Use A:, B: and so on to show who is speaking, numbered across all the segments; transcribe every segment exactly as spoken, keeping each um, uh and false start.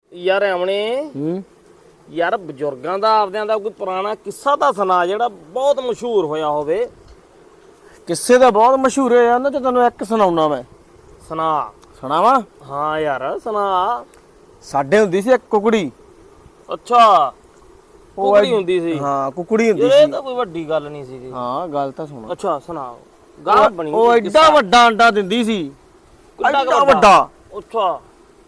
A: ਯਾਰ ਆਵਣੇ
B: ਹੂੰ
A: ਯਾਰ ਬਜ਼ੁਰਗਾਂ ਦਾ ਆਪਦਿਆਂ ਦਾ ਕੋਈ ਪੁਰਾਣਾ ਕਿੱਸਾ ਤਾਂ ਸੁਣਾ ਜਿਹੜਾ ਬਹੁਤ ਮਸ਼ਹੂਰ ਹੋਇਆ ਹੋਵੇ।
B: ਕਿੱਸੇ ਦਾ ਬਹੁਤ ਮਸ਼ਹੂਰ ਹੈ ਉਹਨਾਂ ਚ ਤੈਨੂੰ ਇੱਕ ਸੁਣਾਉਣਾ ਮੈਂ।
A: ਸੁਣਾ।
B: ਸੁਣਾਵਾਂ?
A: ਹਾਂ ਯਾਰ ਸੁਣਾ।
B: ਸਾਡੇ ਹੁੰਦੀ ਸੀ ਇੱਕ ਕੁਕੜੀ।
A: ਅੱਛਾ ਕੁਕੜੀ ਹੁੰਦੀ ਸੀ?
B: ਹਾਂ ਕੁਕੜੀ ਹੁੰਦੀ
A: ਇਹ
B: ਸੀ।
A: ਤਾਂ ਕੋਈ ਵੱਡੀ ਗੱਲ ਨਹੀਂ ਸੀ।
B: ਹਾਂ ਗੱਲ ਤਾਂ ਸੁਣ।
A: ਅੱਛਾ ਸੁਣਾ। ਗਾਹ ਬਣੀ
B: ਉਹ ਐਡਾ ਵੱਡਾ ਅੰਡਾ ਦਿੰਦੀ ਸੀ, ਐਡਾ ਵੱਡਾ।
A: ਅੱਛਾ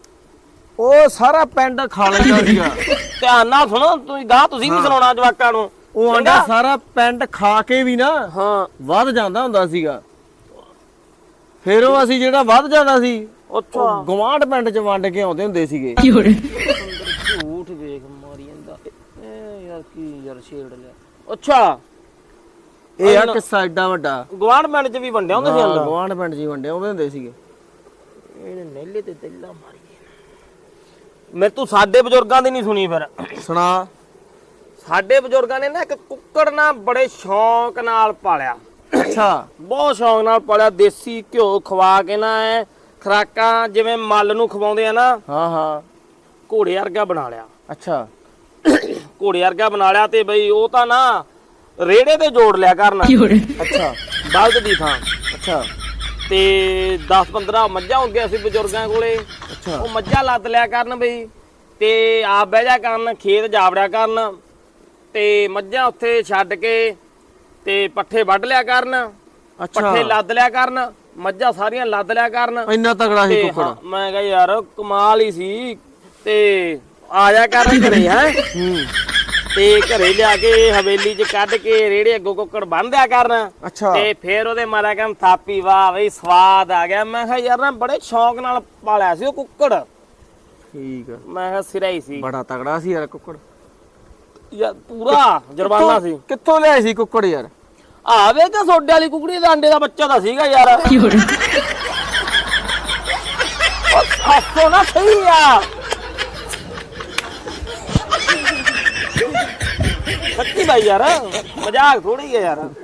B: ਉਹ ਸਾਰਾ ਪਿੰਡ ਖਾ ਲੈਂਦਾ ਸੀਗਾ।
A: ਧਿਆਨ ਨਾਲ ਸੁਣੋ ਤੁਸੀਂ, ਗਾਹ ਤੁਸੀਂ ਵੀ ਸੁਣਾਉਣਾ ਜਵਾਕਾਂ ਨੂੰ।
B: ਉਹ ਅੰਡਾ ਸਾਰਾ ਪਿੰਡ ਖਾ ਕੇ ਵੀ ਨਾ
A: ਹਾਂ
B: ਵੱਧ ਜਾਂਦਾ ਹੁੰਦਾ ਸੀਗਾ। ਫਿਰ ਉਹ ਅਸੀਂ ਜਿਹੜਾ ਵੱਧ ਜਾਂਦਾ ਸੀ
A: ਅੱਛਾ
B: ਗਵਾਂਢ ਪਿੰਡ ਚ ਵੰਡ ਕੇ ਆਉਂਦੇ ਹੁੰਦੇ ਸੀਗੇ।
A: ਝੂਠ ਵੇਖ ਮਾਰੀ ਜਾਂਦਾ ਇਹ ਯਾਰ ਕੀ ਯਾਰ ਛੇੜ ਲਿਆ। ਅੱਛਾ
B: ਇਹ ਆ ਕਿੱਸਾ ਐਡਾ ਵੱਡਾ।
A: ਗਵਾਂਢ ਪਿੰਡ ਚ ਵੀ ਵੰਡਿਆ ਹੁੰਦਾ ਸੀ ਅੰਡਾ?
B: ਗਵਾਂਢ ਪਿੰਡ ਚ ਹੀ ਵੰਡੇ ਆਉਂਦੇ ਹੁੰਦੇ ਸੀਗੇ।
A: ਇਹਨੇ ਨੇਲੇ ਤੇ ਤੇਲਾ ਮਾਰੀ ਮੈਂ ਤੂੰ ਸਾਡੇ ਬਜ਼ੁਰਗਾਂ ਦੀ ਨਹੀਂ ਸੁਣੀ। ਫਿਰ
B: ਸੁਣਾ।
A: ਸਾਡੇ ਬਜ਼ੁਰਗਾਂ ਨੇ ਨਾ ਇੱਕ ਕੁੱਕੜ ਨਾ ਬੜੇ ਸ਼ੌਂਕ ਨਾਲ ਪਾਲਿਆ।
B: ਅੱਛਾ
A: ਬਹੁਤ ਸ਼ੌਂਕ ਨਾਲ ਪਾਲਿਆ। ਦੇਸੀ ਘਿਓ ਖਵਾ ਕੇ ਨਾ ਐ ਖਰਾਕਾਂ ਜਿਵੇਂ ਮੱਲ ਨੂੰ ਖਵਾਉਂਦੇ ਆ ਨਾ,
B: ਹਾਂ ਹਾਂ
A: ਘੋੜੇ ਵਰਗਾ ਬਣਾ ਲਿਆ।
B: ਅੱਛਾ
A: ਘੋੜੇ ਵਰਗਾ ਬਣਾ ਲਿਆ ਤੇ ਬਈ ਉਹ ਤਾਂ ਨਾ ਰੇੜੇ ਤੇ ਜੋੜ ਲਿਆ ਕਰਨ।
B: ਅੱਛਾ
A: ਬਲਦ ਦੀ ਥਾਂ।
B: ਅੱਛਾ
A: ਤੇ ਦਸ ਪੰਦਰਾਂ ਮੱਝਾਂ ਹੁੰਦੀਆਂ ਸੀ ਬਜ਼ੁਰਗਾਂ ਕੋਲੇ।
B: ਅੱਛਾ
A: ਉਹ ਮੱਝਾਂ ਲੱਦ ਲਿਆ ਕਰਨ ਬਈ ਤੇ ਆਪ ਬਹਿ ਜਾ ਕਰਨ, ਖੇਤ ਜਾਵੜਿਆ ਕਰਨ ਤੇ ਮੱਝਾਂ ਉੱਥੇ ਛੱਡ ਕੇ ਤੇ ਪੱਠੇ ਵੱਢ ਲਿਆ ਕਰਨ,
B: ਅੱਛਾ
A: ਪੱਠੇ ਲੱਦ ਲਿਆ ਕਰਨ, ਮੱਝਾਂ ਸਾਰੀਆਂ ਲੱਦ ਲਿਆ ਕਰਨ।
B: ਇੰਨਾ ਤਗੜਾ ਸੀ
A: ਤੇ
B: ਕੁੱਕੜ।
A: ਹਾਂ, ਮੈਂ ਕਿਹਾ ਯਾਰ ਕਮਾਲ ਹੀ ਸੀ। ਤੇ ਆ ਜਾ ਕਰ ਘਰੇ ਹੈ
B: ਹੂੰ
A: ਤੇ ਘਰੇ ਲਿਆ ਕੇ ਹਵੇਲੀ 'ਚ ਕੱਢ ਕੇ ਰੇੜੇ ਅੱਗੋਂ ਕੁੱਕੜ ਬੰਨ੍ਹਿਆ ਕਰਨ
B: ਅੱਛਾ
A: ਤੇ ਫੇਰ ਉਹਦੇ ਮਾਰਾ ਕਹਿੰਦਾ ਥਾਪੀ ਵਾਹ ਬਈ ਸਵਾਦ ਆ ਗਿਆ। ਮੈਂ ਕਿਹਾ ਯਾਰ ਨਾ ਬੜੇ ਸ਼ੌਂਕ ਨਾਲ ਪਾਲਿਆ ਸੀ ਉਹ ਕੁੱਕੜ।
B: ਠੀਕ ਆ।
A: ਮੈਂ ਕਿਹਾ ਸਿਰਾ ਹੀ ਸੀ
B: ਬੜਾ ਤਗੜਾ ਸੀ ਯਾਰ ਕੁੱਕੜ।
A: ਯਾਰ ਪੂਰਾ ਜਰਬਾਨਾ ਸੀ।
B: ਕਿੱਥੋਂ ਲਿਆਏ ਸੀ ਕੁੱਕੜ ਯਾਰ?
A: ਆਵੇ ਤਾਂ ਸੋਡੇ ਵਾਲੀ ਕੁਕੜੀ ਦੇ ਅੰਡੇ ਦਾ ਬੱਚਾ ਤਾਂ ਸੀਗਾ ਯਾਰ। ਉਹ ਹੱਸੋ ਨਾ ਸਹੀ ਆ। ਸੱਚੀ ਬਾਈ ਯਾਰ ਮਜ਼ਾਕ ਥੋੜੀ ਹੈ ਯਾਰ।